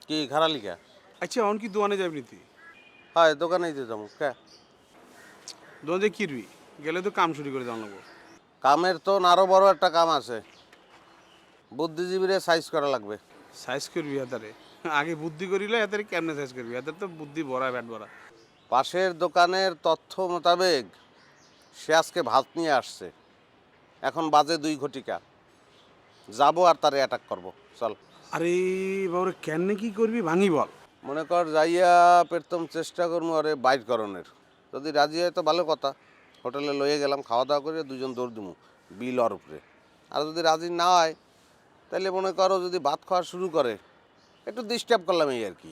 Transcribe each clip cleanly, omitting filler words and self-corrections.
কি খারালি কে? আচ্ছা অন কি দোকানে যাবি তুই? হয় দোকানেই তো যাবো কে? দোকানে কিরবি গেলে তো কাম শুরু করে দেওয়া লাগবো। কামের তো আরো বড় একটা কাম আছে, বুদ্ধিজীবীরে সাইজ করা লাগবে। সাইজ করবি হাতারে, আগে বুদ্ধি করিলে হাতারে কেমনে সাইজ করবি? হাতার তো বুদ্ধি ভরা ব্যাট ভরা। পাশের দোকানের তথ্য মোতাবেক সে আজকে ভাত নিয়ে আসছে, এখন বাজে 2 ঘটিকা। যাবো আর তারে অ্যাটাক করব, চল। আরে বাবরে কেমনে কি করবি ভাঙি বল। মনে কর যাইয়া প্রথম চেষ্টা করবো আরে বাইট করণের। যদি রাজি হয় তো ভালো কথা, হোটেলে লইয়ে গেলাম, খাওয়া দাওয়া করে দুজন দৌড় দিমু বিল ওর উপরে। আর যদি রাজি না হয় তাহলে মনে করো যদি ভাত খাওয়া শুরু করে একটু ডিস্টার্ব করলাম এই আর কি।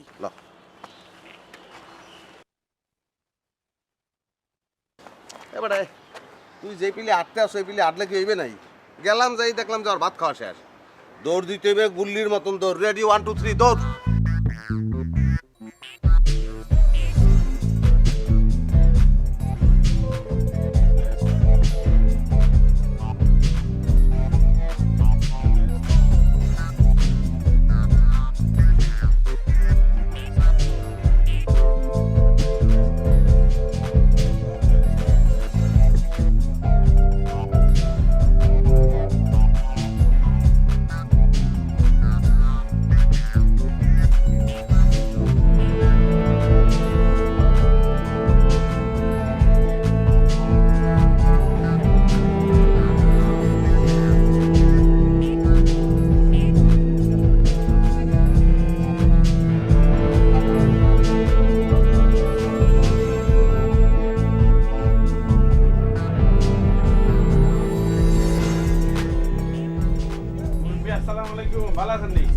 এবারে তুই যেই পিলে আটতে আসো এই পিলে আটলে কি হইবে নাই? গেলাম যাই দেখলাম যে আর ভাত খাওয়া শেষ, দৌড় দিতে হইবে গুল্লির মতন দৌড়। রেডি 1 2 3 দৌড়। আসসালামু আলাইকুম, ভালো আছেন নি?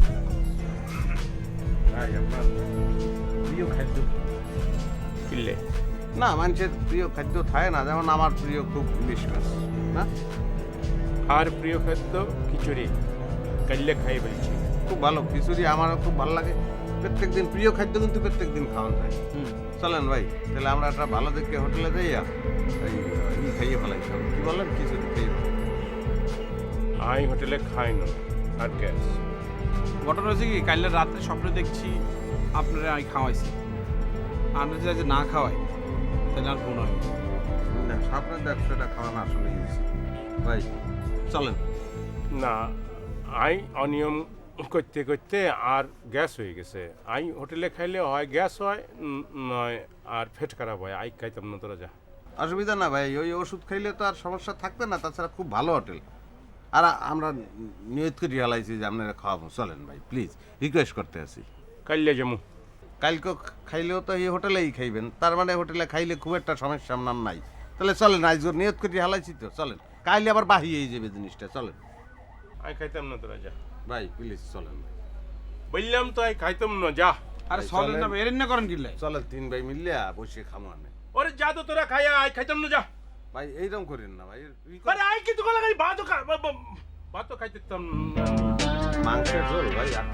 ভাই আপনার প্রিয় খাদ্য কিনলে না, মানুষের প্রিয় খাদ্য থাকে না, যেমন আমার প্রিয় খুব ইলিশ মাছ। না আর প্রিয় খাদ্য খিচুড়ি, কাল্লে খাই বলছি। খুব ভালো খিচুড়ি, আমারও খুব ভালো লাগে। প্রত্যেক দিন প্রিয় খাদ্য কিন্তু প্রত্যেক দিন খাওয়ান যায়। চলেন ভাই, তাহলে আমরা একটা ভালো দেখে হোটেলে যাইয়া এই খাইয়ে ফেলাই, কি বললেন, খিচুড়ি খাইয়ে ফেলাই। আই হোটেলে খাই না আর গ্যাস। ঘটনা হয়েছে কি, কালকে রাত্রে স্বপ্নে দেখছি আপনারা আমি খাওয়াইছি। আমরা যদি না খাওয়াই তাহলে আর গুণ হয় না, আপনার ব্যবসাটা খাওয়ানো আসলে গেছি ভাই, চলেন। না, আই অনিয়ম করতে করতে আর গ্যাস হয়ে গেছে। আই হোটেলে খাইলে হয় গ্যাস হয়, নয় আর পেট খারাপ হয়। আই খাইতাম না, তোরা যা। অসুবিধা না ভাই, ওই ওষুধ খাইলে তো আর সমস্যা থাকবে না। তাছাড়া খুব ভালো হোটেল, আর আমরা নিয়ত করে রিয়ালাইছি যে আপনারা খাওয়াবো। চলেন ভাই প্লিজ, রিকোয়েস্ট করতে আছি। কাল্লে যাবো। কালকে খাইলেও তো এই হোটেলেই খাইবেন, তার মানে হোটেলে খাইলে খুব একটা সমস্যা আপনার নাই। তাহলে চলেন, আইজোর নিয়ত করে হালাইছি তো, চলেন। কাইলে আবার বাহিয়ে যাবে জিনিসটা, চলেন আই খাইতাম না, তোরা যা ভাই প্লিজ, চলেন ভাই। বললাম তো আই খাইতাম না, যা। আরে চলেন না, এরেন না করেন কিনলে। চলেন 3 ভাই মিললে বসে খামো আনে। ওরে যা তো, তোরা খাইয়া আই খাইতাম না, যা। ভাই এইরকম করেন না ভাই, আরে আই কিন্তু কলা খাই, ভাতও খাইতাম না। মাংসের ঝোল ভাই আর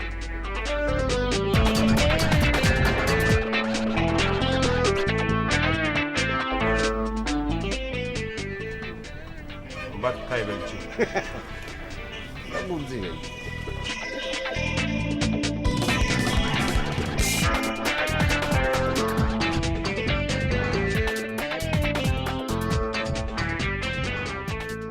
ভাত খাই বলছি। বুঝছি ভাই।